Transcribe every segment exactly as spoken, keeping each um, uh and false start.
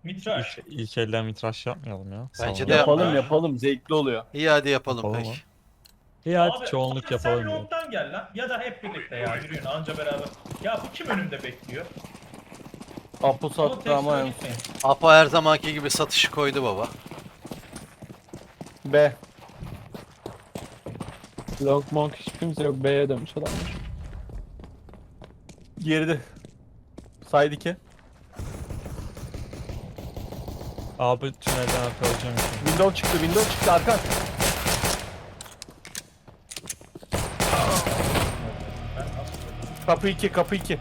Mitraş. İlk, ilk elden mitraş yapmayalım ya. Bence Salona. de Yapalım yapma. yapalım, zevkli oluyor. İyi hadi yapalım, Yapalım peki. mı? İyi hadi Abi, çoğunluk abi yapalım sen diyor. long'dan gel lan. Ya da hep birlikte ya yürüyün anca beraber. Ya bu kim önümde bekliyor? Apo Ama sattı tek ama sıra en gitmeyin. Apo her zamanki gibi satışı koydu baba. B. Long monk hiç kimse yok. B'ye dönmüş adamlar. Geride. Side iki. Abi tünelden arkalayacağım. şimdi. Window çıktı, window çıktı arkan. Kapı iki, kapı iki.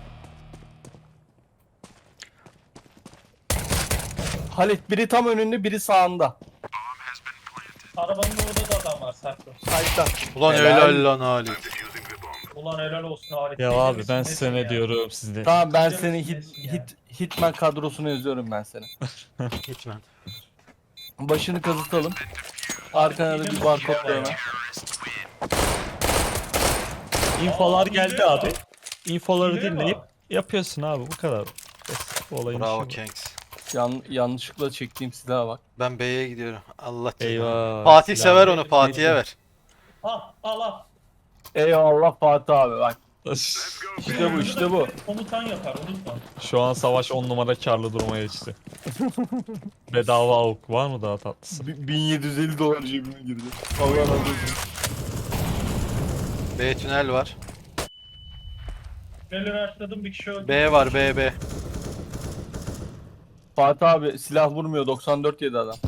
Halit biri tam önünde, biri sağında. Arabanın orada da adam var saklı. Side'da. Ulan Helal. helal lan Ali. Ulan helal olsun Halit. Ya Deli abi misin, ben nesin size ne ya? diyorum sizde. Tamam ben Ciddi seni misin, hit, nesin ya? hit, Hitman kadrosuna yazıyorum ben seni. Gitmem. Başını kazıtalım. Arkana da bir barkod dövme. İnfolar Aa, geldi biliyor. abi. İnfoları Biliyor dinleyip mu? yapıyorsun abi bu kadar. Basit bu olayın Bravo işi bu. Kanks. Yan, yanlışlıkla çektiğim silaha bak. Ben B'ye gidiyorum. Allah cezanı. Eyvah. Fatih silah- sever onu, Fatih'e ver. Al al al. Eyvallah Fatih abi bak. İşte bu işte bu. Komutan yapar unutma. Şu an savaş on numara karlı duruma geçti. Bedava avuk var mı daha tatlısı? Bi- bin yedi yüz elli dolar cebime girdi. Allah razı olsun. B tünel var. Neler açladım bir kişi öldü. B var, B B. Fatih abi silah vurmuyor, doksan dört yedi adam.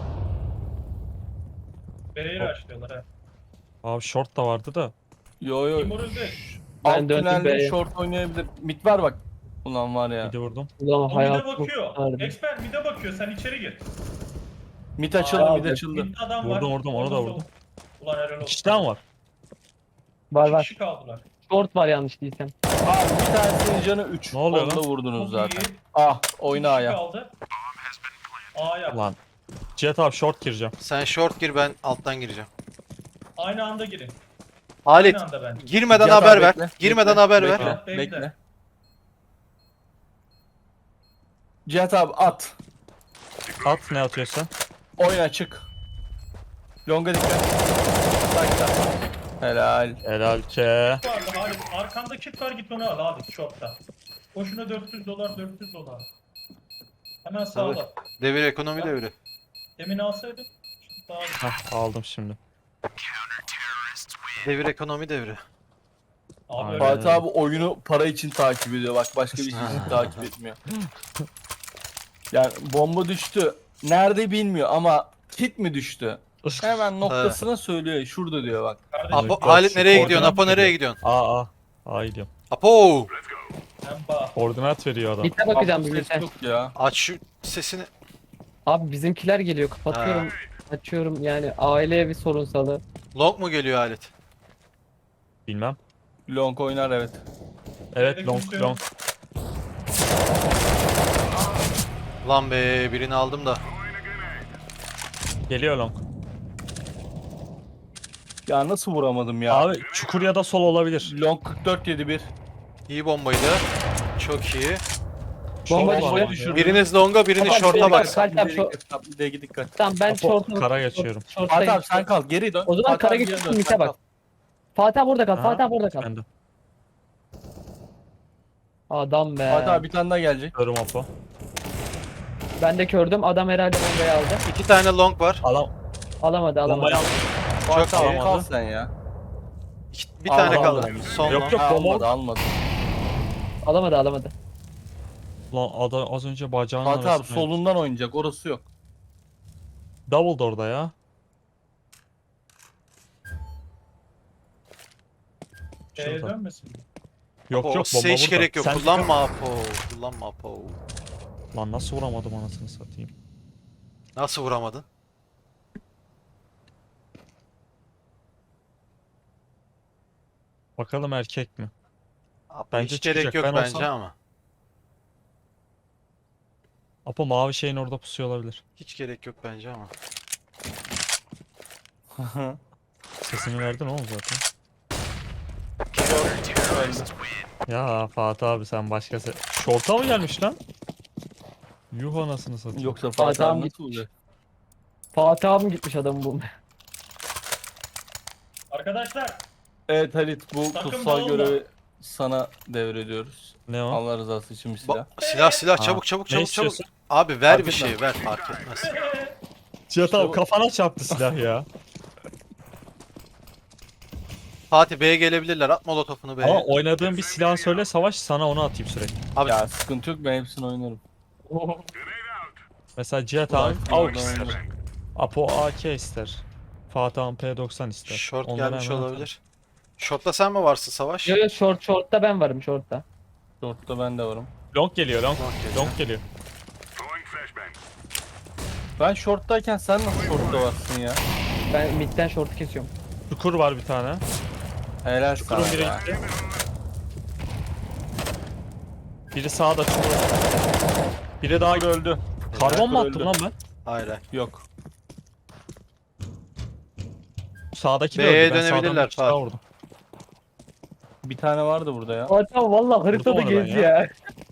Bereyi açlıyorlar he. Abi short da vardı da. Yo yo. Kim öldü? Ben Alt döndüm tünelde B'ye. short oynayabilir. Mid var bak. Ulan var ya. Bir de vurdum. Ulan O mide hayat bakıyor. kurtardı. Expert mide bakıyor sen içeri gir. Mid açıldı, Aa, mid açıldı. Midde adam var. Vurdum, vurdum, onu da Orada vurdum. sol. Ulan helal olsun. İki tane var. Var İki var. kişi kaldılar. Short var yanlış değilsem. Abi bir tanesinin canı üç. Ne oluyor Onu da lan? vurdunuz Çok zaten. iyi. Ah İki oyna kişi aya. kaldı. A'ya. Lan. Jet abi short gireceğim. Sen short gir, ben alttan gireceğim. Aynı anda girin. Halit, Aynı anda bence. girmeden Cihat haber abi ver. bekle, Girmeden bekle, haber bekle, ver. Ha, bekle. Bekle. Cihat abi at. At ne atıyorsan. Oyna çık. Longa dikkat. Side'da. Helal. Helal ke. Vardı Halit. Arkanda kit var git onu al Halit short'ta. Boşuna dört yüz dolar dört yüz dolar. Hemen sağla. Devir ekonomi devri. Demin alsaydın. Şimdi daha iyi. Hah aldım şimdi. Devir ekonomi devri. Abi Aynen. öyle. Fatih abi oyunu para için takip ediyor. Bak başka bir şey için takip etmiyor. Yani bomba düştü. Nerede bilmiyor ama kit mi düştü? Hemen noktasına söylüyor. Şurada diyor bak. Kardeşim Apo, Yok, Halit şu nereye gidiyorsun? koordinat Apo nereye veriyor. gidiyorsun? Aa aa. Aa gidiyorum. Apo! sen bak. Koordinat veriyor adam. Mid'e bakacağım Abi bir ses yok ya. Aç şu sesini. Abi bizimkiler geliyor. Kapatıyorum. Açıyorum yani aileye bir sorunsalı. Long mu geliyor Halit? Bilmem. Long oynar evet. Evet Evde long kimse yok. long. Lan be, birini aldım da. Geliyor long. Ya nasıl vuramadım ya? Abi çukur ya da sol olabilir. Long kırk dört yedi bir. İyi bombaydı. Çok iyi. Bomba Short var düşürdü. ama ya. Biriniz longa, biriniz Tamam, short'a bir bak. dakika. Kalp yap, şu- Bir de dikkat. Tamam ben Apo, short'u kara geçiyorum. Fatih abi sen kal geri dön. O zaman Fatih kara abi geri geçiyorsun, dön, mite sen bak. kal. Fatih abi burada kal. Aha, Fatih abi burada kal. Ben de. Adam be. Fatih abi bir tane daha gelecek. Körüm Apo. Ben de kördüm. Adam herhalde bombayı aldı. İki tane long var. Adam Alamadı alamadı. bombayı aldı. Fatih abi iyi. kal sen ya. İki- bir tane Aldı, kaldı. aldı. Son Yok, long. yok. Ha, bomba- almadı almadı. Alamadı alamadı. Lan adam az önce bacağının Fatih abi arasına- solundan oynayacak orası yok. Double da orada ya. Şeye Şurada. dönmesin. Yok Apo, yok size bomba hiç burada. gerek yok. Sen Kullanma Apo. Kullanma Apo. Lan nasıl vuramadım anasını satayım. Nasıl vuramadın? Bakalım erkek mi? Apo, Bence hiç gerek çıkacak. yok Ben bence olsam- ama. Apo mavi şeyin orada pusuyor olabilir. Hiç gerek yok bence ama. Sesini verdin oğlum zaten. Öldü. Ya Fatih abi sen başka se... Şorta mı gelmiş lan? Yuh anasını satayım. Yoksa Fatih Fatih abi abi nasıl gitmiş. olacak? Fatih abim gitmiş adamı bulmaya. Arkadaşlar Evet Halit, bu Takım kutsal dağılma. görevi sana devrediyoruz. Ne o? Allah rızası için bir silah. Ba- silah silah Ha. çabuk çabuk Ne çabuk çabuk. istiyorsun? Abi ver Fark bir etmez. şey ver fark etmez. Cihat İşte abi bu- kafana çarptı silah ya. Fatih B'ye gelebilirler. At molotofunu Ama B'ye. oynadığın bir silah söyle Savaş, sana onu atayım sürekli. Abi Ya sıkıntı yok, ben hepsini oynarım. Mesela Cihat Ulan, abi burada A W P ister. oynarım. Apo A K ister. Fatih abi P doksan ister. short Onları gelmiş hemen olabilir. Short'ta sen mi varsın Savaş? Yo yo short short'ta ben varım short'ta. Short'ta ben de varım. atalım. Long geliyor long. Long geliyor. Long geliyor. Ben short'tayken sen nasıl short'ta varsın ya? Ben midden short'u kesiyorum. Çukur var bir tane. Helal sana Çukurun biri ya. gitti. Biri sağda çukur. Biri daha Çukur öldü. Karbon mu Çukur attım öldü. lan ben? Hayır hayır. Yok. Sağdaki de B'ye öldü. Ben sağdan dönebilirler bir kişi daha Fatih. vurdum. Bir tane vardı burada ya. Fatih abi valla haritada Vurdum onu ben gezi ya. ya.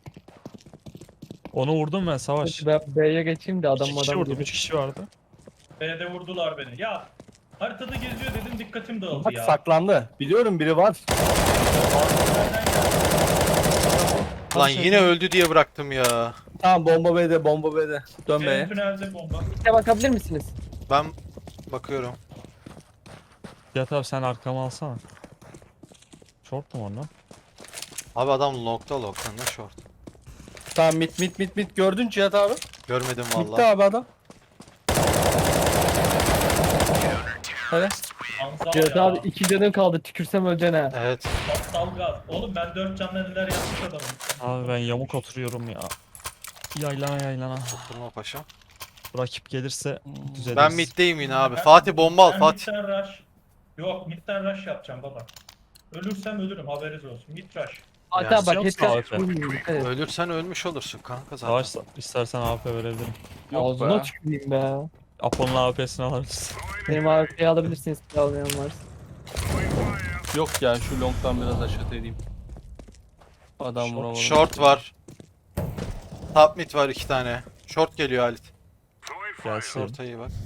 Onu vurdum ben Savaş. Ben B'ye geçeyim de adam İki kişi adam vurdum. gibi. Üç kişi vardı. B'de vurdular beni. Ya haritada geziyor dedim dikkatim dağıldı Bak ya. saklandı. Biliyorum biri var. Nereden geldi? Lan yine öldü diye bıraktım ya. Tamam, bomba B'de, bomba B'de. Dön Benim B'ye. tünelde bomba. Bir de bakabilir misiniz? Ben bakıyorum. Cihat abi sen arkamı alsana. Short mu onlar? Abi adam long'da long'da ne short. Tamam, mit mit mit mit gördün Cihat abi. Görmedim Bitti vallahi. abi adam. Hadi. Anzal Cihat ya. abi iki canın kaldı tükürsem öleceksin ha. Evet. Aptal gaz. Oğlum ben dört canla neler yapmış adamım. Abi ben yamuk oturuyorum ya. Yaylana yaylana. Oturma paşam. Rakip gelirse düzeliriz. Ben middeyim yine abi. Ben- Fatih bomba al Ben Fatih. midden rush. Yok midden rush yapacağım baba. Ölürsem ölürüm haberiniz olsun. Mid rush. Fatih Yani abi bak yok headshot sağ ol. vurmayayım, dikkat et. Ölürsen ölmüş olursun kanka zaten. Savaş istersen A W P verebilirim. Yok Ağzına be. tüküreyim be. Apo'nun A W P'sini alırız. Benim A W P'yi alabilirsiniz bir almayan varsa. Yok ya, şu long'dan biraz aşağı edeyim. Adam Short- vuramadım. Short var. Top mid var iki tane. Short geliyor Halit. Gelsin. Short'a iyi bak.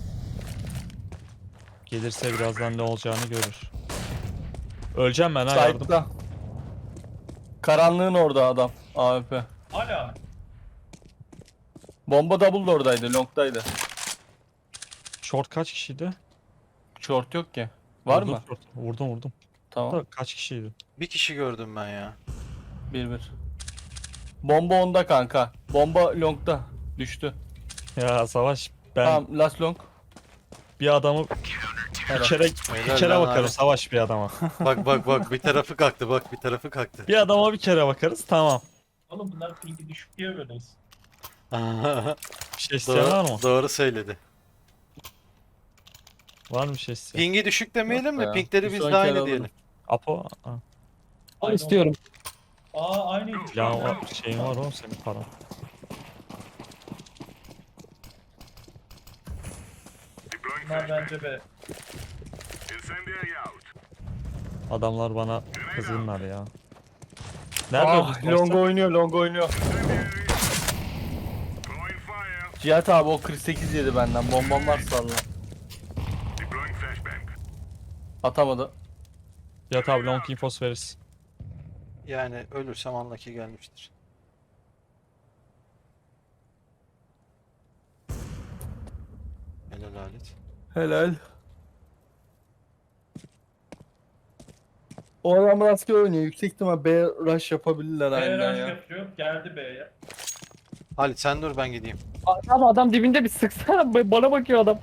Gelirse birazdan ne olacağını görür. Öleceğim ben ha yardım. Side'da. Karanlığın orada adam. A W P. Hala mı? Bomba double da oradaydı, long'daydı. Short kaç kişiydi? Short yok ki. Var Vurdum mı? short. Vurdum vurdum. Tamam. Da kaç kişiydi? Bir kişi gördüm ben ya. bir bir. Bomba onda kanka. Bomba long'da. Düştü. Ya Savaş ben Tamam, last long. bir adamı bir kere bir Helal kere lan bakarım abi. Savaş bir adama. Bak bak bak bir tarafı kalktı bak bir tarafı kalktı. Bir adama bir kere bakarız tamam. Oğlum bunlar pingi düşük diye böyleyiz. Bir şey isteyen var mı? doğru, doğru söyledi. Var mı bir şey isteyen? Pingi düşük demeyelim Yok de ya. pingleri Bir biz sonraki de el aynı alırım. diyelim. Apo? Ha. Onu Aynen. istiyorum. Aa aynıydı. Ya o şeyin var oğlum senin paran. Bunlar bence be. Adamlar bana kızgınlar ya. Nerede Ah, öldü? long oynuyor, long oynuyor. Cihat abi o kırk sekiz yedi benden. Bombam var salla. Atamadı. Ya tabi long infos veririz. Yani ölürsem anlaki gelmiştir. Helal Halit. Helal. O adam rastgele oynuyor. Yüksek ihtimal B rush yapabilirler B aynen rush ya. yapıyor. Geldi B'ye. Halit sen dur ben gideyim. Abi adam dibinde bir sıksana bana bakıyor adam.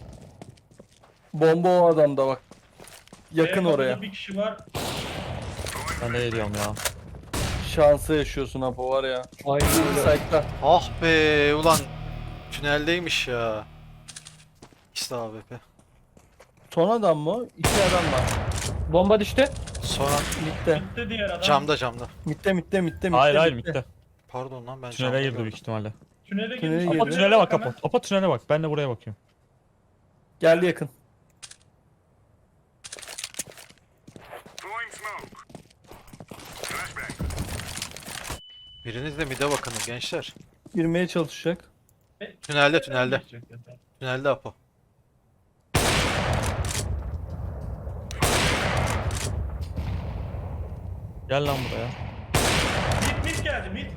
Bomba o adamda bak. Yakın B oraya. kapıda bir kişi var. Ben de geliyorum ya. Şansı yaşıyorsun Apo var ya. Aynen öyle. Site'da. Ah be ulan tüneldeymiş ya. İşte A W P. Son adam mı? İki adam var. Bomba düştü. Sonra Mitte. Gitti diğer adam. camda camda. Mitte mitte mitte mitte. Hayır hayır mitte. Pardon lan ben Tünele camda girdi gördüm. büyük ihtimalle. Tünele Tünele girmiş. girdi. Apo tünele bak Apo. Apo tünele bak. Ben de buraya bakıyorum. Geldi yakın. Biriniz de mid'e bakın gençler. Girmeye çalışacak. Tünelde tünelde. Tünelde Apo. Gel lan buraya. Mid mid geldi mid.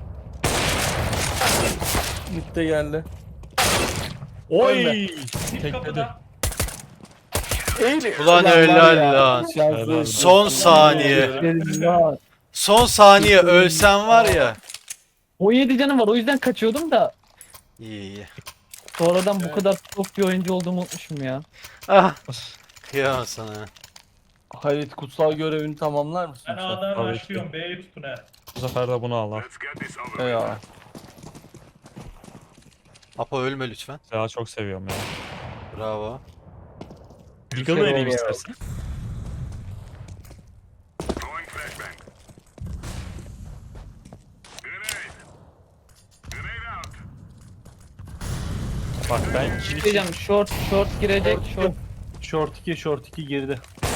Mid de geldi. Oy! Mid Tekledi. kapıda. Eğil. Ulan var helal ya, lan. şanslı. Son saniye. Helal. Son saniye ölsen var ya. on yedi canım var o yüzden kaçıyordum da İyi iyi. sonradan bu Evet. kadar top bir oyuncu olduğumu unutmuşum ya. Ah. Kıyamam sana. Halit kutsal görevini tamamlar mısın? Ben sen? A'dan Tabii başlıyorum. B'yi tutun he. Bu sefer de bunu al lan. Ya. Apo ölme lütfen. Silahı çok seviyorum ya. Bravo. Deagle kere vereyim oldu. istersen. Bak ben kilit Diyeceğim short short girecek short. Short iki, short iki girdi.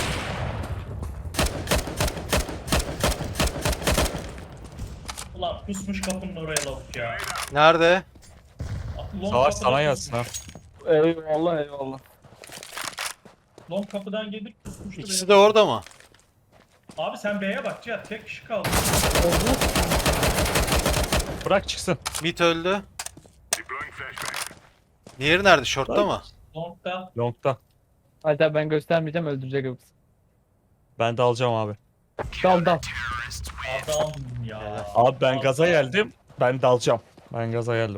Ulan pusmuş kapının oraya lavuk ya. Nerede? Long savaş kapıdan sana gelsin ha. Eyvallah eyvallah. Long kapıdan gelip pusmuştu. İkisi beni. de orada mı? Abi sen B'ye bak Cihat. Tek kişi kaldı. Bırak çıksın. Mid öldü. Diğeri nerede? Short'ta mı? Long'da. Long'da. Hatta ben göstermeyeceğim öldürecek yoksa. Ben de alacağım abi. Dal dal. Adam ya. Abi ben gaza geldim. Ben de alacağım. Ben gaza geldim.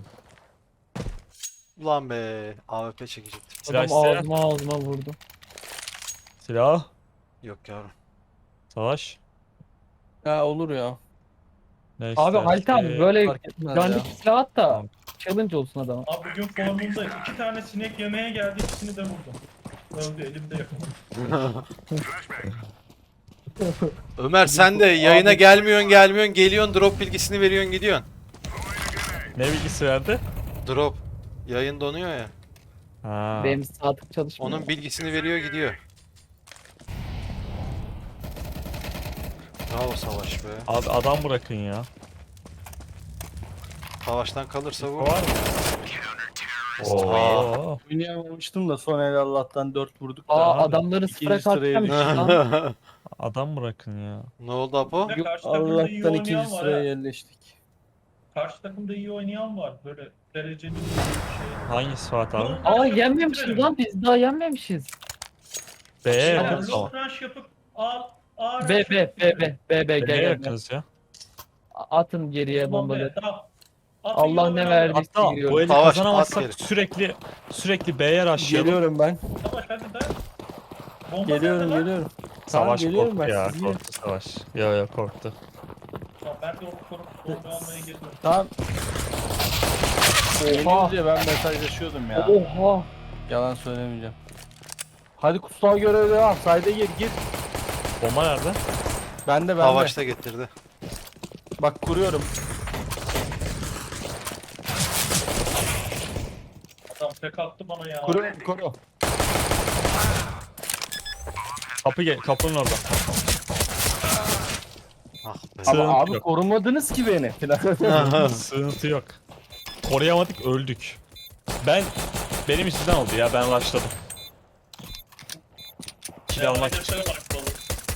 Ulan be. A W P çekecektim. Silah Adam isteyen. ağzıma ağzıma vurdu. Silah. Yok yavrum. Savaş. Ya olur ya. Ne Abi istersin? Halit abi böyle Fark etmez ya. dandik silah at da Tamam. challenge olsun adama. Abi bugün formunda iki tane sinek yemeye geldi. İkisini de vurdum. Öldü elimde yakaladım. Ömer sen de yayına gelmiyorsun gelmiyorsun geliyorsun drop bilgisini veriyorsun gidiyorsun. Ne bilgisi verdi? Drop. Yayın donuyor ya. Ha. Benim saatlik çalışmıyor. Onun bilgisini veriyor gidiyor. Bravo Savaş be. Abi adam bırakın ya. Savaştan kalırsa bu. Var mı? Oo. Oynayamamıştım da son el Allah'tan dört vurduk da. Aa Abi, adamları ikinci sıfıra sıraya kalkacağım lan. Adam bırakın ya. Ne oldu Apo? Ve karşı takımda iyi Allah'tan oynayan ikinci var sıraya ha. yerleştik. Karşı takımda iyi oynayan var. Böyle dereceli bir şey. Hangisi Fuat abi? Long Aa rush yenmemişiz yapıp lan biz daha yenmemişiz. B'ye bitirelim. yakınız ama. Long rush yapıp al. A B B B B B B gel B'ye gel. yakınız ya. Atın geriye bombaları. Allah Allah ne ne verdi? verdi? Hatta giriyorum. bu eli Savaş, at kazanamazsak geri. sürekli sürekli B'ye rushlayalım. Geliyorum ben. Savaş hadi da. Bomba Geliyorum nerede lan? geliyorum. Tamam, Savaş geliyorum korktu ben, ya. siz yiyin. Korktu Savaş. Yo yo korktu. Tamam, ben de o korup bomba almaya geliyorum. Tamam. Oha. Gelince ben mesajlaşıyordum ya. Oha. Yalan söylemeyeceğim. Hadi kutsal görev devam. Sayda gir gir. Bomba nerede? Ben de ben de. Savaş da getirdi. Bak kuruyorum. Adam tek attı bana ya. Kuruyorum koru. Kapı gel kapının orada. Ah be. Sığıntı Ama abi yok. korumadınız ki beni. Sığıntı yok. Koruyamadık öldük. Ben benim yüzümden oldu ya ben rushladım. Kill almak için, Devam ederse bak,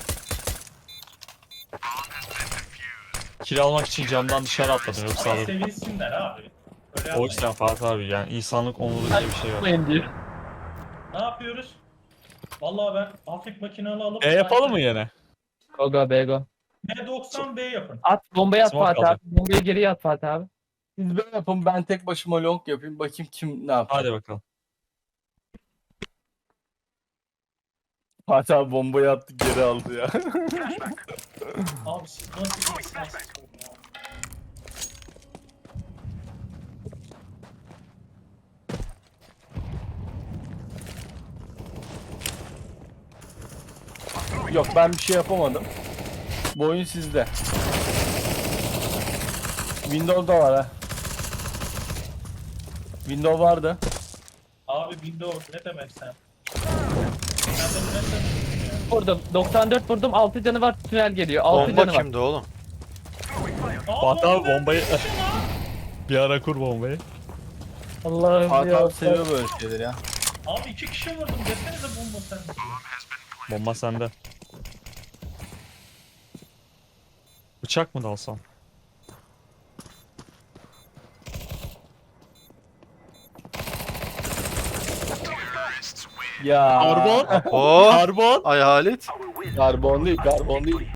kill almak için camdan dışarı atladım yoksa Ama alırdım. sevilsinler abi. Öyle O yapmayın. yüzden Fatih abi yani insanlık onurlu diye bir şey var. Yapmayın diyor. Ne yapıyoruz? Vallahi ben hafif makinalı alıp... E yapalım mı yine? Go go be go. B doksan B yapın. At bombayı at Smoke Fatih alacak. abi. Bombayı geriye at Fatih abi. Siz böyle yapın ben tek başıma long yapayım. Bakayım kim ne yapar. Hadi bakalım. Fatih abi bombayı attı geri aldı ya. Abi siz nasıl bir insansınız ya? Yok ben bir şey yapamadım. Bu oyun sizde. Windows'da var ha. Windows vardı. Abi Windows ne demek sen? Sen de bu ne demek ya? Vurdum. doksan dört vurdum. altı canı var. Tünel geliyor. altı Bomba canı var. kimdi oğlum? Aa, Fatih abi bomba bombayı... Bir ara kur bombayı. Allah'ım Hakan ya. abi seviyor böyle şeyleri ya. Abi iki kişi vurdum desenize bomba sende. Bomba sende. Bıçak mı dalsam? Ya. Karbon. Oo. Karbon. Ay Halit. Karbon değil, karbon değil.